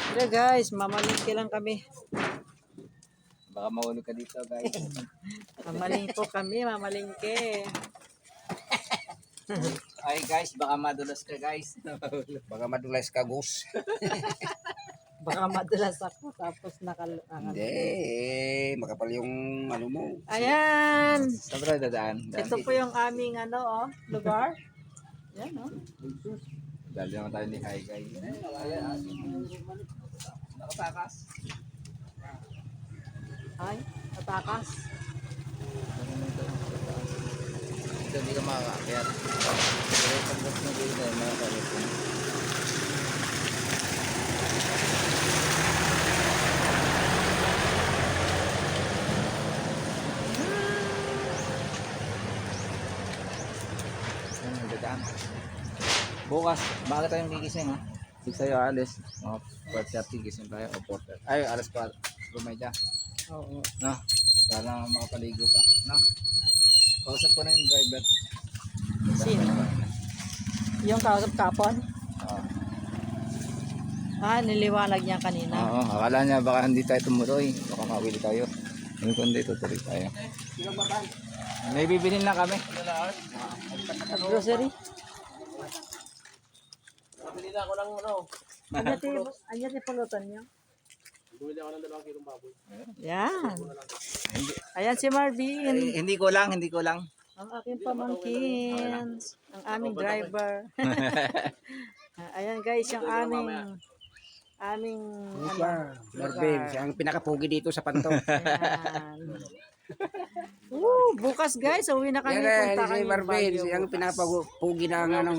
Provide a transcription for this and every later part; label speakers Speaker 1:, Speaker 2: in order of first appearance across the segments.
Speaker 1: Hello guys, mamalingke lang kami.
Speaker 2: Baka mahulog ka dito, guys.
Speaker 1: Mamalingko kami, mamalingke.
Speaker 2: Ay, guys, baka madulas ka, guys.
Speaker 3: Baka madulas ka, Gus.
Speaker 1: Baka madulas ako tapos
Speaker 3: Hindi, makapal yung ano mo.
Speaker 1: Ayan.
Speaker 2: Saan ba dadaan?
Speaker 1: Ito po yung aming lugar. Yan
Speaker 2: Dali naman tayo ni Hi, guys. Nakatakas.
Speaker 1: Ay, tatakas.
Speaker 2: Ito, hindi ka makakakyat. Pero pagkas na dito, makakalit ka. Bukas, bakit tayong gigising ha? 6 tayo alis, mga 4:30 gising tayo o 4:30. Ay, alas 4, rumedya.
Speaker 1: Oo.
Speaker 2: No? Para makapaligo pa. No? Kausap ko na yung driver.
Speaker 1: Sino? Yung kausap kapon?
Speaker 2: Oo.
Speaker 1: Niliwanag niya kanina.
Speaker 2: Oo, akala niya baka hindi tayo tumuloy. Baka mawili tayo. Yung kundi tutuloy tayo. May bibilin lang kami.
Speaker 1: Grocery?
Speaker 3: Pabili na ako ng ano.
Speaker 1: Anya ti pulutan niyo?
Speaker 3: Bumili ako ng 2 kilong baboy.
Speaker 1: Yan. Ayan si Marvin.
Speaker 2: Hindi ko lang.
Speaker 1: Ang aking pamangkin. Ang aming driver. Ayan guys, yung aming
Speaker 3: Marvin, siya ang pinakapugi dito sa Panto.
Speaker 1: Ayan. Bukas guys, uwi na kami.
Speaker 3: Yan
Speaker 1: Punta
Speaker 3: si
Speaker 1: kami
Speaker 3: Marvin,
Speaker 1: Baguio
Speaker 3: siya ang
Speaker 1: bukas.
Speaker 3: pinakapugi na ano.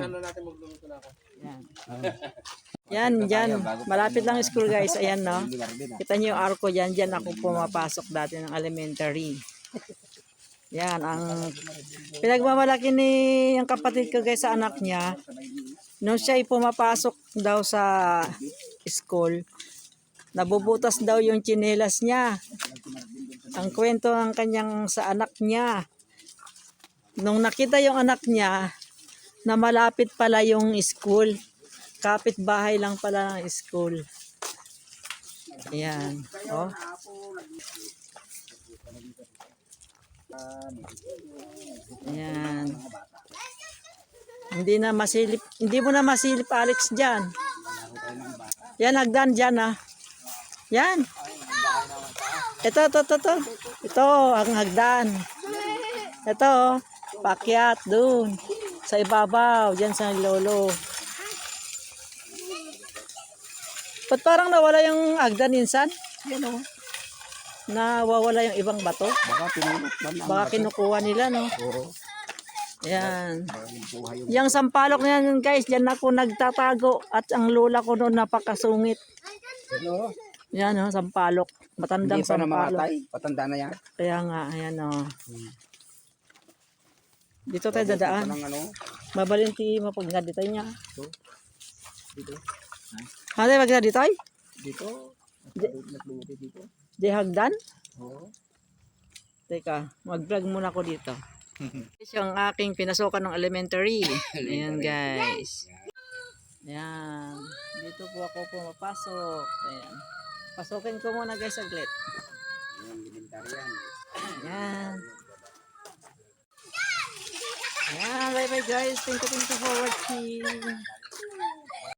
Speaker 1: Yan. Yan. Malapit lang yung school guys. Ayan no. Kita niyo yung arko dyan. Dyan ako pumapasok dati ng elementary. Yan. Ang pinagmamalaki ni yung kapatid ko guys sa anak niya. Nung siya ay pumapasok daw sa school, nabubutas daw yung tsinelas niya. Ang kwento ng kanyang sa anak niya. Nung nakita yung anak niya, na malapit pala yung school. Kapit-bahay lang pala ng school. Ayan. Oh. Ayan. Hindi mo na masilip Alex dyan. Yan, hagdan dyan Yan. Ito. Ito, ang hagdan. Ito, pakyat dun. Sa ibabaw, dyan sa lolo. Ba't parang nawala yung hagdan insan? Yan o. Nawawala yung ibang bato.
Speaker 3: Baka pinulot man.
Speaker 1: Baka kinukuha nila, no?
Speaker 3: Oo.
Speaker 1: Ayan. Yung sampalok na yan, guys, dyan ako nagtatago. At ang lola ko noon napakasungit.
Speaker 3: Ano?
Speaker 1: Yan, no? Sampalok. Matandang
Speaker 3: Hindi pa
Speaker 1: sampalok.
Speaker 3: namamatay. Patanda na yan.
Speaker 1: Kaya nga, ayan, no? Dito tayo dadaan.
Speaker 3: Ano?
Speaker 1: Mabalinti mapag nga dito niya.
Speaker 3: Dito.
Speaker 1: Hadi, wag na dito ay?
Speaker 3: Dito. Nagluti dito.
Speaker 1: Di hagdan?
Speaker 3: Oo.
Speaker 1: Teka, mag-vlog muna ako dito. Ito yung aking pinasukan ng elementary. Ayan guys. Ayan. Dito po ako pumapasok. Ayan. Pasukin ko muna guys saglit.
Speaker 3: Ayan, elementary yan.
Speaker 1: Ayan. Ayan, bye bye guys. Thank you for watching.